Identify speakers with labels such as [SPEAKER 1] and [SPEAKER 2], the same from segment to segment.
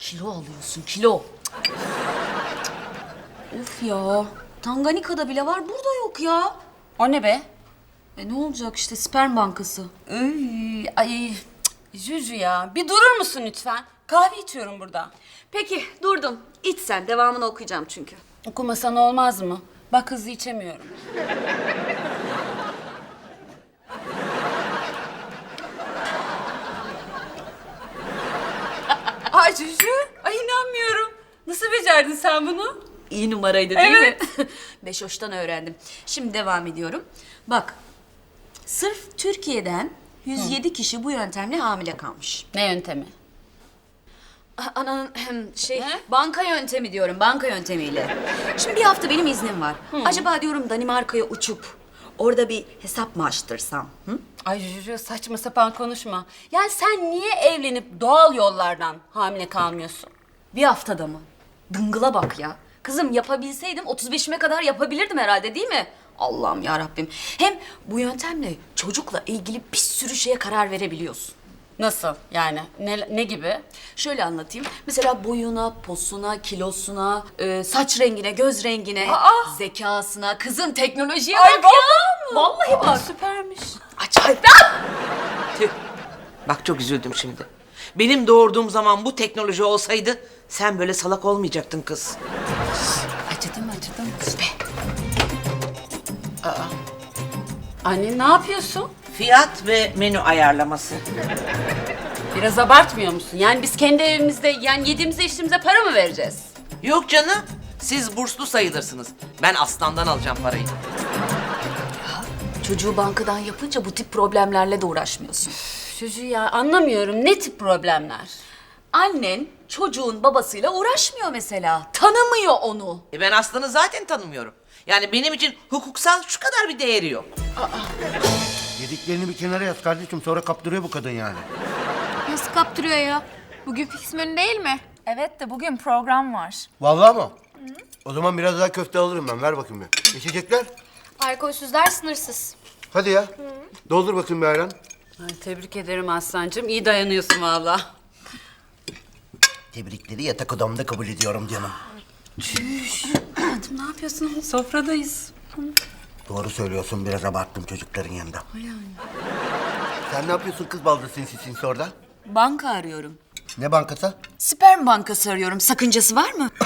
[SPEAKER 1] Kilo alıyorsun, kilo. Of ya. Tanganyika'da bile var, burada yok ya.
[SPEAKER 2] O ne be?
[SPEAKER 1] Ne olacak işte, sperm bankası.
[SPEAKER 2] Ay, Juju ya. Bir durur musun lütfen? Kahve içiyorum burada.
[SPEAKER 1] Peki, durdum. İç sen, devamını okuyacağım çünkü.
[SPEAKER 2] Okumasan olmaz mı? Bak hızlı içemiyorum. Ay Juju, ay inanmıyorum. Nasıl becerdin sen bunu?
[SPEAKER 1] İyi numaraydı değil
[SPEAKER 2] Evet.
[SPEAKER 1] mi? Beşoş'tan öğrendim. Şimdi devam ediyorum. Bak, sırf Türkiye'den 107 kişi bu yöntemle hamile kalmış.
[SPEAKER 2] Ne yöntemi?
[SPEAKER 1] Ananın
[SPEAKER 2] Ne?
[SPEAKER 1] banka yöntemi diyorum, banka yöntemiyle. Şimdi bir hafta benim iznim var. Acaba diyorum Danimarka'ya uçup orada bir hesap mı açtırsam? Hı?
[SPEAKER 2] Ay Juju saçma sapan konuşma. Yani sen niye evlenip doğal yollardan hamile kalmıyorsun?
[SPEAKER 1] Bir haftada mı? Dıngıla bak ya. Kızım yapabilseydim 35'ime kadar yapabilirdim herhalde değil mi? Allah'ım ya Rabbim. Hem bu yöntemle çocukla ilgili bir sürü şeye karar verebiliyorsun.
[SPEAKER 2] Nasıl yani? Ne gibi?
[SPEAKER 1] Şöyle anlatayım. Mesela boyuna, posuna, kilosuna, saç rengine, göz rengine, zekasına, kızım teknolojiye bak ya. Vallahi bak.
[SPEAKER 2] Süpermiş.
[SPEAKER 1] Acayip.
[SPEAKER 3] Tüh. Bak çok üzüldüm şimdi. Benim doğurduğum zaman bu teknoloji olsaydı sen böyle salak olmayacaktın kız.
[SPEAKER 1] Acıdı mı acıdı mı?
[SPEAKER 2] Anne ne yapıyorsun?
[SPEAKER 3] Fiyat ve menü ayarlaması.
[SPEAKER 2] Biraz abartmıyor musun? Yani biz kendi evimizde yani yediğimize içtiğimize para mı vereceğiz?
[SPEAKER 3] Yok canım. Siz burslu sayılırsınız. Ben aslandan alacağım parayı.
[SPEAKER 1] Çocuğu bankadan yapınca bu tip problemlerle de uğraşmıyorsun.
[SPEAKER 2] Juju ya anlamıyorum. Ne tip problemler?
[SPEAKER 1] Annen çocuğun babasıyla uğraşmıyor mesela. Tanımıyor onu.
[SPEAKER 3] Ben aslanı zaten tanımıyorum. Yani benim için hukuksal şu kadar bir değeri yok.
[SPEAKER 4] Yediklerini bir kenara yaz kardeşim, sonra kaptırıyor bu kadın yani.
[SPEAKER 5] Nasıl kaptırıyor ya? Bugün fix menü değil mi?
[SPEAKER 6] Evet de bugün program var.
[SPEAKER 4] Vallahi mı? O zaman biraz daha köfte alırım ben, ver bakayım bir. İçecekler?
[SPEAKER 5] Alkolsüzler sınırsız.
[SPEAKER 4] Hadi ya. Doldur bakayım bir ayran.
[SPEAKER 2] Ay, tebrik ederim Aslancığım. İyi dayanıyorsun valla.
[SPEAKER 4] Tebrikleri yatak odamda kabul ediyorum canım.
[SPEAKER 2] Hayatım ne yapıyorsun? Sofradayız.
[SPEAKER 4] Doğru söylüyorsun, biraz abarttım çocukların yanında. Sen ne yapıyorsun kız baldı sinsi orada?
[SPEAKER 1] Banka arıyorum.
[SPEAKER 4] Ne bankası?
[SPEAKER 1] Sperm bankası arıyorum. Sakıncası var mı?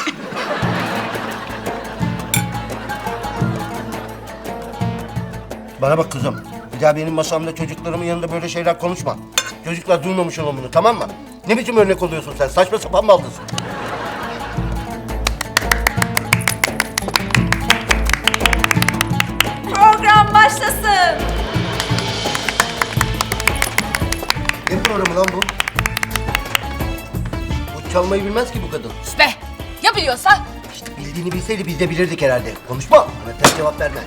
[SPEAKER 4] Bana bak kızım. Bir daha benim masamda çocuklarımın yanında böyle şeyler konuşma. Çocuklar duymamış olan bunu, tamam mı? Ne biçim örnek oluyorsun sen? Saçma sapan baldızsın.
[SPEAKER 6] Program başlasın.
[SPEAKER 4] Ne programı lan bu? Bu çalmayı bilmez ki bu kadın.
[SPEAKER 2] Be! Ya biliyorsa?
[SPEAKER 4] İşte bildiğini bilseydi biz de bilirdik herhalde. Konuşma. Bana ters cevap verme.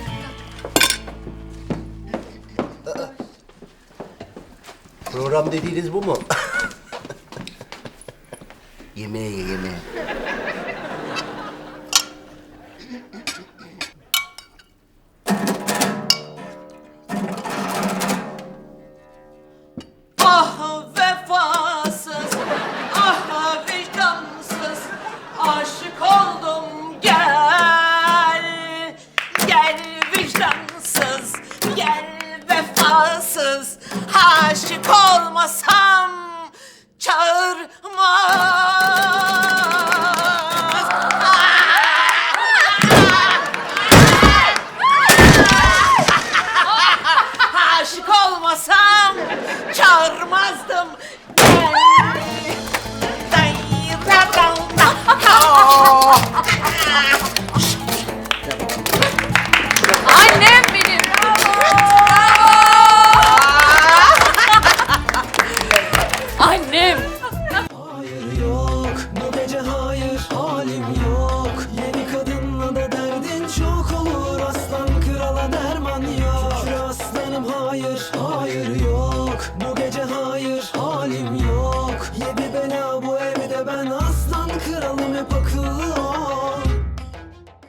[SPEAKER 4] Program dediğiniz bu mu? Yemeğe ye, yemeğe.
[SPEAKER 3] Ah vefasız, ah vicdansız, aşık oldum gel. Gel vicdansız, gel vefasız, aşık olmasam çağırmaz. Aşık olmasam çağırmazdım. Gel.